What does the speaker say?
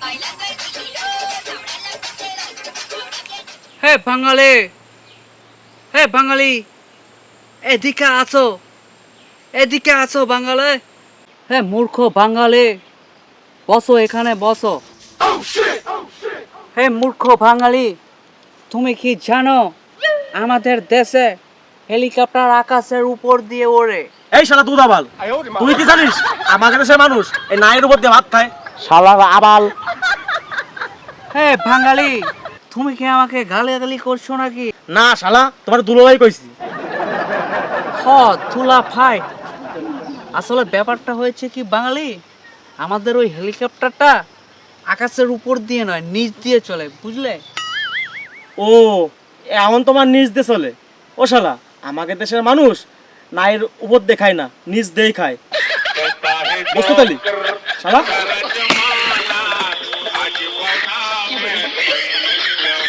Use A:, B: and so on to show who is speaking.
A: হে বাঙালি, হে বাঙালি, এদিকে আছো, এদিকে আছো বাঙালি। হে মূর্খ বাঙালি, বসো এখানে বসো। হে মূর্খ বাঙালি, তুমি কি জানো আমাদের দেশে হেলিকপ্টার আকাশের উপর দিয়ে ওড়ে?
B: এই শালা দুধ আবাল, তুই কি জানিস আমাদের দেশের মানুষ এই নায়ের উপর দিয়ে ভাত খায়? শালার আবাল।
A: হে বাঙালি, তুমি কি আমাকে গালাগালি করছো নাকি?
B: না শালা, তোমার দুলোভাই কইছি।
A: হ তুলা ভাই, আসলে ব্যাপারটা হয়েছে কি বাঙালি, আমাদের ওই হেলিকপ্টারটা আকাশের উপর দিয়ে নয়, নিচ দিয়ে চলে, বুঝলে?
B: ও, এমন তোমার নিজ দিয়ে চলে? ও শালা, আমাদের দেশের মানুষ নায়ের উপর দিয়ে খায় না, নিজ দিয়েই খায়, বুঝতে পারলি শালা?